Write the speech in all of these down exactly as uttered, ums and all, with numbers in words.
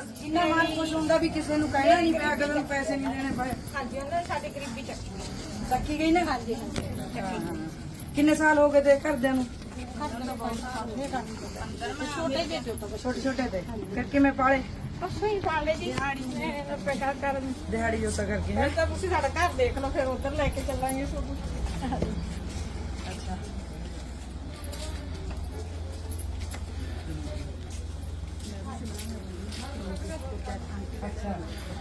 ਇੰਨਾ ਮਨ ਖੁਸ਼ ਹੁੰਦਾ ਵੀ ਕਿਸੇ ਨੂੰ ਕਹਿਣਾ ਨਹੀਂ ਪਿਆ ਅਗਲੇ ਨੂੰ ਪੈਸੇ ਨਹੀਂ ਦੇਣੇ ਪਏ। ਹਾਂਜੀ ਉਹਨਾਂ ਨੇ ਸਾਡੀ ਗਰੀਬੀ ਚੱਕੀ ਚੱਕੀ ਗਈ ਨਾ। ਹਾਂਜੀ ਹਾਂਜੀ ਕਿੰਨੇ ਸਾਲ ਹੋ ਗਏ ਤੇ ਘਰਦਿਆਂ ਨੂੰ? ਛੋਟੇ ਜਿਹੇ ਜੋ ਛੋਟੇ ਛੋਟੇ ਤੇ ਫਿਰ ਕਿਵੇਂ ਪਾਲੇ? ਪਸ਼ੂ ਹੀ ਪਾਲੇ ਜੀ ਪੈਸਾ ਕਰਨ ਦਿਹਾੜੀ ਜੋਤਾ ਕਰਕੇ ਫਿਰ ਤਾਂ ਤੁਸੀਂ ਸਾਡਾ ਘਰ ਦੇਖ ਲਓ ਫਿਰ ਉਧਰ ਲੈ ਕੇ ਚੱਲਾਂਗੇ ਤੁਹਾਨੂੰ। ਅੱਛਾ ਅੱਛਾ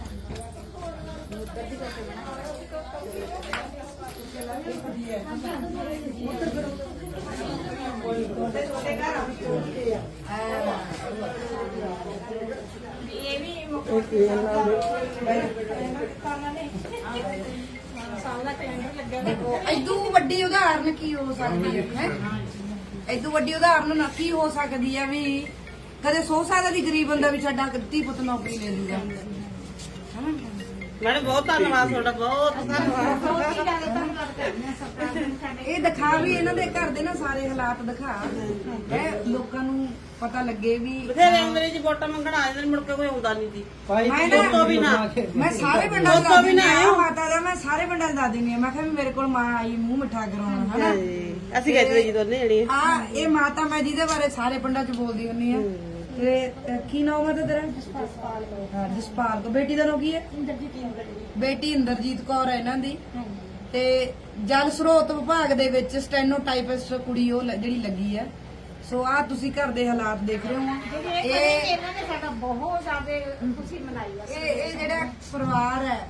ਇਹ ਵੀ ਸਾਲ ਦਾ ਕੈਲੰਡਰ ਲੱਗਿਆ ਦੇਖੋ ਇਦੋਂ ਵੱਡੀ ਉਦਾਹਰਨ ਕੀ ਹੋ ਸਕਦੀ ਹੈ? ਇਦੋਂ ਵੱਡੀ ਉਦਾਹਰਨ ਨਾ ਕੀ ਹੋ ਸਕਦੀ ਹੈ ਵੀ ਕਦੇ ਸੋਚ ਸਕਦਾ ਦੀ ਗਰੀਬ ਬੰਦਾ ਵੀ ਸਾਡਾ ਧੀ ਪੁੱਤ ਨੌਕਰੀ ਲੈ ਲੂਗਾ। ਮੈਡਮ ਬਹੁਤ ਧੰਨਵਾਦ ਤੁਹਾਡਾ, ਬਹੁਤ ਇਹ ਦਿਖਾ ਵੀ ਇਹਨਾਂ ਦੇ ਘਰ ਦੇ ਨਾ ਸਾਰੇ ਹਾਲਾਤ ਦਿਖਾ ਹੈ ਲੋਕਾਂ ਨੂੰ ਪਤਾ ਲੱਗੇ ਵੀ ਬਥੇਰੇ ਅੰਗਰੇਜ਼ੀ ਵੋਟਾਂ ਮੰਗਣ ਆ ਜਾਂਦੇ ਨੇ, ਮੁੜ ਕੇ ਕੋਈ ਆਉਂਦਾ ਨਹੀਂ ਸੀ। ਮੈਂ ਦੋਸਤੋ ਵੀ ਨਾ ਮੈਂ ਸਾਰੇ ਪਿੰਡਾਂ ਦਾ ਵੀ ਨਾ ਮਾਤਾ ਦਾ ਮੈਂ ਸਾਰੇ ਪਿੰਡਾਂ ਦਾ ਦਿੰਦੀ ਆ। ਮੈਂ ਕਿਹਾ ਵੀ ਮੇਰੇ ਕੋਲ ਮਾਂ ਆਈ ਮੂੰਹ ਮਿੱਠਾ ਕਰਾਉਣਾ ਹਨਾ। ਅਸੀਂ ਗਏ ਜੀ ਦੋਨੇ ਜਣੀਆਂ। ਆ ਇਹ ਮਾਤਾ ਮੈਂ ਜਿਹਦੇ ਬਾਰੇ ਸਾਰੇ ਪਿੰਡਾਂ 'ਚ ਬੋਲਦੀ ਹੁੰਨੀ ਆ। ਤੇ ਕੀ ਨਾਮ ਹੈ ਤੇਰਾ? ਹਾਂ ਜਸਪਾਲ ਕੋ। ਬੇਟੀ ਦਾ ਨਾਮ ਕੀ ਹੈ? ਬੇਟੀ ਇੰਦਰਜੀਤ ਕੌਰ ਹੈ ਇਹਨਾਂ ਦੀ। ਤੇ ਜਲ ਸਰੋਤ ਵਿਭਾਗ ਦੇ ਵਿੱਚ ਸਟੈਨੋ ਟਾਈਪਿਸਟ ਕੁੜੀ ਉਹ ਲ- ਜਿਹੜੀ ਲੱਗੀ ਹੈ। ਸੋ ਆ ਤੁਸੀਂ ਘਰ ਦੇ ਹਾਲਾਤ ਦੇਖ ਰਹੇ ਹੋ। ਇਹ ਇਹਨਾਂ ਨੇ ਸਾਡਾ ਬਹੁਤ ਜ਼ਿਆਦਾ ਖੁਸ਼ੀ ਮਨਾਈ ਆ। ਇਹ ਇਹ ਜਿਹੜਾ ਪਰਿਵਾਰ ਹੈ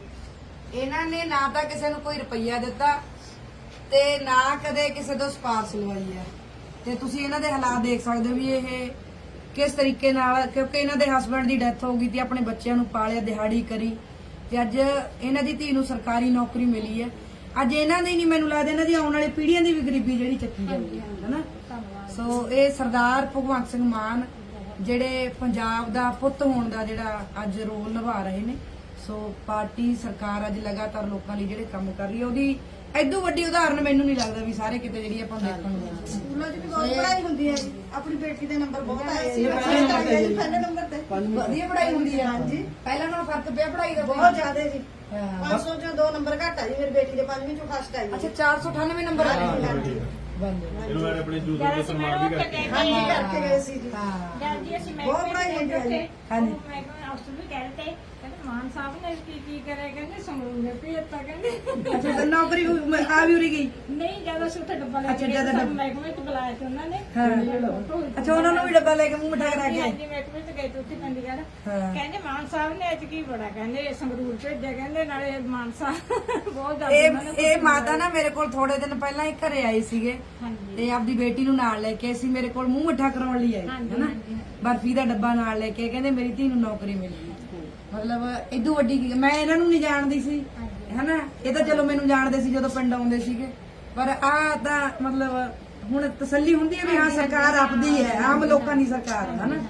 ਇਹਨਾਂ ਨੇ ਨਾ ਤਾਂ ਕਿਸੇ ਨੂੰ ਕੋਈ ਰੁਪਈਆ ਦਿੱਤਾ ਤੇ ਨਾ ਕਦੇ ਕਿਸੇ ਤੋਂ ਸਪਾਰਸ਼ ਲਵਾਈ ਹੈ। ਤੇ ਤੁਸੀਂ ਇਹਨਾਂ ਦੇ ਹਾਲਾਤ ਦੇਖ ਸਕਦੇ ਹੋ ਵੀ ਇਹ ਕਿਸ ਤਰੀਕੇ ਨਾਲ, ਕਿਉਂਕਿ ਇਹਨਾਂ ਦੇ ਹਸਬੰਡ ਦੀ ਡੈਥ ਹੋ ਗਈ ਤੇ ਆਪਣੇ ਬੱਚਿਆਂ ਨੂੰ ਪਾਲਿਆ, ਦਿਹਾੜੀ ਕਰੀ ਤੇ ਅੱਜ ਇਹਨਾਂ ਦੀ ਧੀ ਨੂੰ ਸਰਕਾਰੀ ਨੌਕਰੀ ਮਿਲੀ ਹੈ। ਅੱਜ ਇਹਨਾਂ ਦੀ ਨਹੀਂ ਮੈਨੂੰ ਲੱਗਦਾ ਇਹਨਾਂ ਦੀ ਆਉਣ ਵਾਲੀ ਪੀੜ੍ਹੀਆਂ ਦੀ ਵੀ ਗਰੀਬੀ ਜਿਹੜੀ ਚੱਕੀ ਜਾਂਦੀ ਹੈ ਹਨਾ। ਸੋ ਇਹ ਸਰਦਾਰ ਭਗਵੰਤ ਸਿੰਘ ਮਾਨ ਜਿਹੜੇ ਪੰਜਾਬ ਦਾ ਪੁੱਤ ਹੋਣ ਦਾ ਜਿਹੜਾ ਅੱਜ ਰੋਲ ਨਿਭਾ ਰਹੇ ਨੇ। ਸੋ ਪਾਰਟੀ ਸਰਕਾਰ ਅੱਜ ਲਗਾਤਾਰ ਲੋਕਾਂ ਲਈ ਜਿਹੜੇ ਕੰਮ ਕਰ ਰਹੀ ਹੈ ਉਹਦੀ ਐਦੋਂ ਵੱਡੀ ਉਦਾਹਰਨ ਮੈਨੂੰ ਨਹੀਂ ਲੱਗਦਾ ਵੀ ਸਾਰੇ ਕਿਤੇ ਜਿਹੜੀ ਆਪਾਂ ਦੇਖਣ ਨੂੰ ਮਿਲਦੀ। ਸਕੂਲਾਂ 'ਚ ਵੀ ਬਹੁਤ ਪੜ੍ਹਾਈ ਹੁੰਦੀ ਹੈ। ਆਪਣੀ ਬੇਟੀ ਦੇ ਨੰਬਰ ਬਹੁਤ ਆਏ ਸੀ ਪਹਿਲੇ ਨੰਬਰ ਤੇ। ਵਧੀਆ ਪੜ੍ਹਾਈ ਹੁੰਦੀ ਹੈ। ਹਾਂਜੀ ਪਹਿਲਾਂ ਨਾਲੋਂ ਫਰਕ ਪਿਆ ਪੜ੍ਹਾਈ ਦਾ ਬਹੁਤ ਜ਼ਿਆਦਾ ਜੀ। ਹਾਂ। ਪੰਜ ਸੌ ਚੋਂ ਦੋ ਨੰਬਰ ਘੱਟ ਆ ਜੀ ਮੇਰੀ ਬੇਟੀ ਦੇ। ਪੰਜਵੀਂ ਚੋਂ ਫਸਟ ਆਈ ਅੱਛਾ ਚਾਰ ਸੌ ਅਠਾਨਵੇਂ ਨੰਬਰ ਆ ਗਏ। ਹਾਂਜੀ ਇਹਨੂੰ ਮੈਂ ਆਪਣੇ ਜੂਸ ਦੇ ਸਨਮਾਨ ਵੀ ਕਰਕੇ ਹਾਂਜੀ ਕਰਕੇ ਗਏ ਸੀ ਜੀ। ਹਾਂ ਜਦ ਜੀ ਅਸੀਂ ਬਹੁਤ ਪੜ੍ਹਾਈ ਹੁੰਦੀ ਹੈ ਜੀ। ਹਾਂਜੀ। ਮੈਂ ਅਫਸਰ ਵੀ ਕਹਿ ਰਹੇ ਤੇ ਕਹਿੰਦੇ ਮਾਨ ਸਾਹਿਬ ਨੇ ਕੀ ਕੀ ਕਰਿਆ, ਕਹਿੰਦੇ ਸੰਗਰੂਰ ਨੇ ਭੇਜਤਾ ਕਹਿੰਦੇ। ਅੱਛਾ ਤਾਂ ਨੌਕਰੀ ਹੋਈ- ਆ ਵੀ ਉਰੀ ਗਈ। ਨਹੀਂ ਜਦੋਂ ਅਸੀਂ ਉੱਥੇ ਡੱਬਾ ਲੈ ਅੱਛਾ, ਕੇ ਗਏ ਜਦੋਂ ਸਾਨੂੰ ਡੱਬਾ- ਮਹਿਕਮੇ ਚ ਬੁਲਾਇਆ ਸੀ ਉਹਨਾਂ ਨੇ। ਹਾਂ ਅੱਛਾ ਉਹਨਾਂ ਨੂੰ ਵੀ ਡੱਬਾ ਲੈ ਕੇ ਮੂੰਹ ਮਿਠਾ ਕਰਾ ਕੇ ਆਏ। ਹਾਂਜੀ ਮਹਿਕਮੇ ਚ ਗਏ ਤੇ ਉੱਥੇ ਚੰਡੀਗੜ੍ਹ। ਹਾਂ। ਕਹਿੰਦੇ ਮਾਨ ਸਾਹਿਬ ਨੇ ਅੱਜ ਕੀ ਬੜਾ, ਕਹਿੰਦੇ ਸੰਗਰੂਰ ਭੇਜਿਆ, ਕਹਿੰਦੇ ਨਾਲੇ ਮਾਨ ਸਾਹਿਬ ਬਹੁਤ ਜ਼ਿਆਦਾ ਇਹ ਉਹਨਾਂ ਨੇ ਇਹ ਮਾਤਾ ਨਾ ਮੇਰੇ ਕੋਲ ਥੋੜੇ ਦਿਨ ਪਹਿਲਾਂ ਹੀ ਘਰੇ ਆਏ ਸੀਗੇ ਹਾਂਜੀ ਤੇ ਆਪਦੀ ਬੇਟੀ ਨੂੰ ਨਾਲ ਲੈ ਕੇ ਆਏ ਸੀ। ਮੇਰੇ ਕੋਲ ਮੂੰਹ ਮਿੱਠਾ ਕਰਾਉਣ ਲਈ ਆਏ ਹਾਂਜੀ, ਹਨਾ। ਹਾਂਜੀ। ਬਰਫੀ ਦਾ ਡੱਬਾ ਨਾਲ ਲੈ ਕੇ ਕਹਿੰਦੇ ਮੇਰੀ ਧੀ ਨੂੰ ਨੌਕਰੀ ਮਿਲ ਗਈ। ਮਤਲਬ ਇਦੋਂ ਵੱਡੀ ਕੀ- ਮੈਂ ਇਹਨਾਂ ਨੂੰ ਨਹੀਂ ਜਾਣਦੀ ਸੀ ਹਨਾ। ਇਹ ਤਾਂ ਚਲੋ ਮੈਨੂੰ ਜਾਣਦੇ ਸੀ ਜਦੋਂ ਪਿੰਡ ਆਉਂਦੇ ਸੀਗੇ। ਪਰ ਆ ਤਾਂ ਮਤਲਬ ਹੁਣ ਤਸੱਲੀ ਹੁੰਦੀ ਹੈ ਵੀ ਹਾਂ ਸਰਕਾਰ ਆਪਦੀ ਹੈ, ਆਮ ਲੋਕਾਂ ਦੀ ਸਰਕਾਰ ਹੈ ਹਨਾ।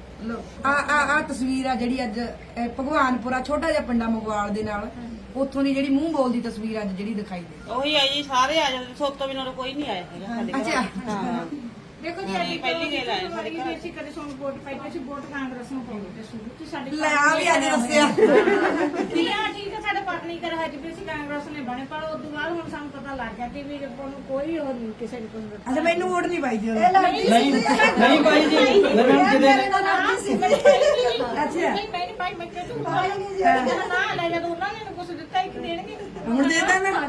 ਆ ਆ ਆ ਤਸਵੀਰ ਆ ਜਿਹੜੀ ਅੱਜ ਇਹ ਭਗਵਾਨਪੁਰਾ ਛੋਟਾ ਜਿਹਾ ਪਿੰਡਾ ਮਗਵਾਲ ਦੇ ਨਾਲ ਉੱਥੋਂ ਦੀ ਜਿਹੜੀ ਮੂੰਹ ਬੋਲਦੀ ਤਸਵੀਰ ਅੱਜ ਜਿਹੜੀ ਦਿਖਾਈ ਦੇ। ਉਹੀ ਆ ਜੀ, ਸਾਰੇ ਆ ਜਾਂਦੇ। ਸੋਤੋਂ ਬਿਨਾਂ ਕੋਈ ਨਹੀਂ ਆਇਆ ਹੈਗਾ ਸਾਡੇ ਘਰ। ਅੱਛਾ ਹਾਂ ਦੇਖੋ ਜੀ ਅਸੀਂ ਪਹਿਲੀ ਗੱਲ ਆਏ ਸਾਡੇ ਘਰ ਅਸੀਂ ਕਦੇ ਸਾਨੂੰ ਵੋਟ ਪਾਈ ਤੇ ਅਸੀਂ ਵੋਟ ਕਾਂਗਰਸ ਨੂੰ ਪਾਉਂਦੇ ਤੇ ਸ਼ੁਰੂ ਤੋਂ ਸਾਡੇ ਲੈ ਆ ਵੀ ਅੱਜ ਦੱਸਿਆ। ਠੀਕ ਹੈ ਠੀਕ ਹੈ ਸਾਡੇ ਪਾਰਟੀ ਕਰ ਹੈ ਜੀ ਅਸੀਂ ਕਾਂਗਰਸ ਨੇ ਬਣੇ, ਪਰ ਉਸ ਤੋਂ ਬਾਅਦ ਹੁਣ ਸਾਨੂੰ ਪਤਾ ਲੱਗ ਗਿਆ ਕਿ ਵੀ ਆਪਾਂ ਨੂੰ ਕੋਈ ਹੋਰ ਨਹੀਂ ਕਿਸੇ ਦੀ ਕੋਈ ਅੱਛਾ ਮੈਨੂੰ ਵੋਟ ਨਹੀਂ ਪਾਈ ਜੀ ਇਹ ਉਹਨੇ। ਲੱਗਦੀ ਸੀ ਜੀ। ਨਹੀਂ ਭਾਈ ਜੀ ਲਗਨ ਕਿਤੇ ਮੇਰੇ ਨਾਲ ਲੱਗਦੀ ਸੀ। ਅੱਛਾ ਨਹੀਂ ਮੈਂ ਨਹੀਂ ਪਾਈ, ਮੈਂ ਕਿਹਾ ਤੂੰ ਪਾਈ ਨਹੀਂ ਜੀ। ਕਹਿੰਦਾ ਨਾ ਲੈ ਜਦੋਂ ਉਹਨਾਂ ਨੇ ਕੁਝ ਦਿੱਤਾ ਇੱਕ ਦੇਣਗੇ ਹੁਣ ਦੇ ਤਾ ਨਾ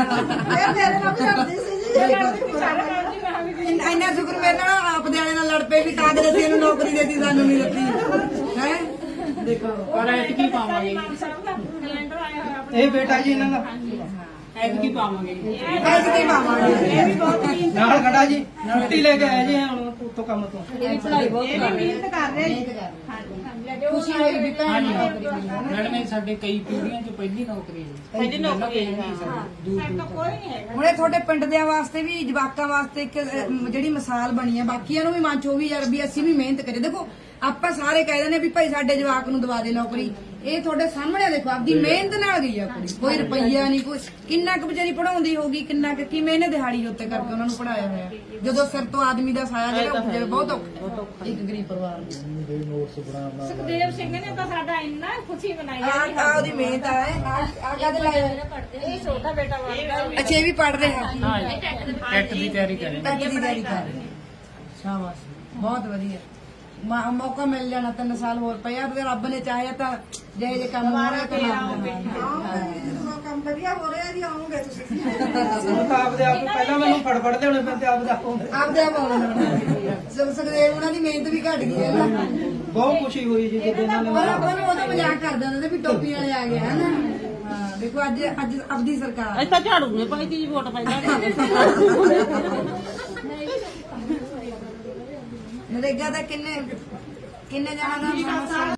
ਇਹ ਮੇਰੇ ਨਾਲ ਵੀ ਲੜਦੀ ਸੀ ਜੀ। ਸਾਰੇ ਕੰਮ ਜੀ ਮੈਂ ਵੀ ਇੰਨਾ ਇੰਨਾ ਸ਼ੁਕਰ ਮੇਰੇ ਨਾਲ ਆਪ ਦੇ ਵਾਲੇ ਨਾਲ ਲੜ ਪਏ ਵੀ ਕਾਂਗਰਸੀ ਇਹਨੂੰ ਨੌਕਰੀ ਦੇਤੀ ਸਾਨੂੰ ਨਹੀਂ ਦਿੱਤੀ ਹੈ। ਦੇਖੋ ਪਰ ਐਤਕੀ ਪਾਵਾਂਗੇ ਮਾਨ ਸਾਹਿਬ ਦਾ ਕੈਲੰਡਰ ਆਇਆ ਹੋਇਆ ਆਪਣੇ ਇਹ ਬੇਟਾ ਜੀ ਇਹਨਾਂ ਦਾ ਐਤਕੀ ਪਾਵਾਂਗੇ ਐਸ ਕੀ ਪਾਵਾਂਗੇ। ਇਹ ਵੀ ਬਹੁਤ ਮਿਹਨਤ ਨਾਲ ਖੜਾ ਜੀ ਛੁੱਟੀ ਲੈ ਕੇ ਆਏ ਜੀ ਹੁਣ ਉੱਤੋਂ ਕੰਮ ਤੋਂ। ਪੜਾਈ ਬਹੁਤ ਇਹ ਵੀ ਮਿਹਨਤ ਕਰ ਰਹੇ ਜੀ। ਹਾਂਜੀ ਹਾਂਜੀ ਖੁਸ਼ੀ ਹੋਈ ਵੀ ਭੈਣ ਨੂੰ ਨੌਕਰੀ ਮਿਲੀ ਹੈ। ਮੈਡਮ ਇਹ ਸਾਡੇ ਕਈ ਪੀੜ੍ਹੀਆਂ ਚ ਪਹਿਲੀ ਨੌਕਰੀ ਹੈ ਪਹਿਲੀ ਨੌਕਰੀ ਹੈ ਜੀ। ਸਾਡੇ ਤੋਂ ਕੋਈ ਨਹੀਂ ਹੈਗਾ। ਹੁਣ ਇਹ ਤੁਹਾਡੇ ਪਿੰਡ ਦੇ ਵਾਸਤੇ ਵੀ ਜਵਾਕਾਂ ਵਾਸਤੇ ਇੱਕ ਅਹ, ਜਿਹੜੀ ਮਿਸਾਲ ਬਣੀ ਹੈ। ਬਾਕੀਆਂ ਨੂੰ ਵੀ ਮਨ ਚ ਉਹ ਵੀ ਯਾਰ ਵੀ ਅਸੀਂ ਵੀ ਮਿਹਨਤ ਕਰੀਏ। ਦੇਖੋ ਆਪਾਂ ਸਾਰੇ ਕਹਿ ਦਿੰਦੇ ਵੀ ਭਾਈ ਸਾਡੇ ਜਵਾਕ ਨੂੰ ਦਵਾ ਦੇ ਨੌਕਰੀ। ਇਹ ਤੁਹਾਡੇ ਸਾਹਮਣੇ ਦੇਖੋ ਆਪਦੀ ਮਿਹਨਤ ਨਾਲ ਗਈ ਆ ਕੁੜੀ, ਕੋਈ ਰੁਪਈਆ ਨਹੀਂ, ਕੋਈ ਕਿੰਨਾ ਕੁ ਵਿਚਾਰੀ ਪੜਾਉਂਦੀ ਹੋਗੀ, ਕਿੰਨਾ ਕੁ ਕਿਵੇਂ ਇਹਨੇ ਦਿਹਾੜੀ ਉੱਤੇ ਕਰਕੇ ਉਹਨਾਂ ਨੂੰ ਪੜਾਇਆ ਹੋਇਆ, ਜਦੋਂ ਸਿਰ ਤੋਂ ਆਦਮੀ ਦਾ ਸਾਇਆ ਜਿਹੜਾ ਉੱਜੇ ਬਹੁਤ ਔਖਾ ਇੱਕ ਗਰੀਬ ਪਰਿਵਾਰ ਨੂੰ। ਸੁਖਦੇਵ ਸਿੰਘ ਨੇ ਤਾਂ ਸਾਡਾ ਇੰਨਾ ਖੁਸ਼ੀ ਮਨਾਈ ਆ ਆ ਉਹਦੀ ਮਿਹਨਤ ਆ ਆ ਕਦ ਲਾਇਆ। ਇਹ ਛੋਟਾ ਬੇਟਾ ਵਰਗਾ ਅੱਛਾ ਇਹ ਵੀ ਪੜ ਰਿਹਾ, ਟੈਟ ਦੀ ਤਿਆਰੀ ਕਰੇ ਟੈਟ ਦੀ ਤਿਆਰੀ ਕਰ ਰਿਹਾ। ਸ਼ਾਬਾਸ਼, ਬਹੁਤ ਵਧੀਆ। ਮਾ- ਮੌਕਾ ਮਿਲ ਜਾਣਾ, ਤਿੰਨ ਸਾਲ ਹੋਰ ਪਿਆ ਤੇ ਰੱਬ ਨੇ ਚਾਹਿਆ ਤਾਂ ਜਿਹੇ ਜੇ ਕੰਮ ਹੋ ਰਿਹਾ ਤਾਂ ਹਾਂ ਕੰਮ ਵਧੀਆ ਹੋ ਰਿਹਾ ਜੀ, ਆਉਂਗੇ ਤੁਸੀਂ। ਹੁਣ ਤਾਂ ਆਪਦੇ ਆਪ ਪਹਿਲਾਂ ਮੈਨੂੰ ਫੜ ਫੜ ਲਿਆਉਣੇ ਪੈਂਦੇ ਆਪਦੇ ਆਪ ਨੂੰ। ਆਪਦੇ ਆਪ ਆਉਣਾ ਸੁਖ ਸੁਖਦੇਵ ਉਹਨਾਂ ਦੀ ਮਿਹਨਤ ਵੀ ਘਟ ਗਈ ਹੈ ਨਾ। ਬਹੁਤ ਖੁਸ਼ੀ ਹੋਈ ਜੀ ਜਦੋਂ ਇਹਨਾਂ ਨੇ ਪਰ ਆਪਾਂ ਨੂੰ ਉਦੋਂ ਮਜ਼ਾਕ ਕਰਦੇ ਹੁੰਦੇ ਸੀ ਵੀ ਟੋਪੀ ਵਾਲੇ ਆ ਗਏ ਹਨਾ। ਹਾਂ ਦੇਖੋ ਅੱਜ ਅੱਜ ਆਪਦੀ ਸਰਕਾਰ ਅਸੀਂ ਤਾਂ ਝਾੜੂ ਨੇ ਪਾਈ ਤੀ ਜੀ ਵੋਟ ਪੈਂਦਾ ਨਰੇਗਾ ਦਾ ਕਿੰਨੇ ਕਿੰਨੇ ਜਣਾ ਦਾ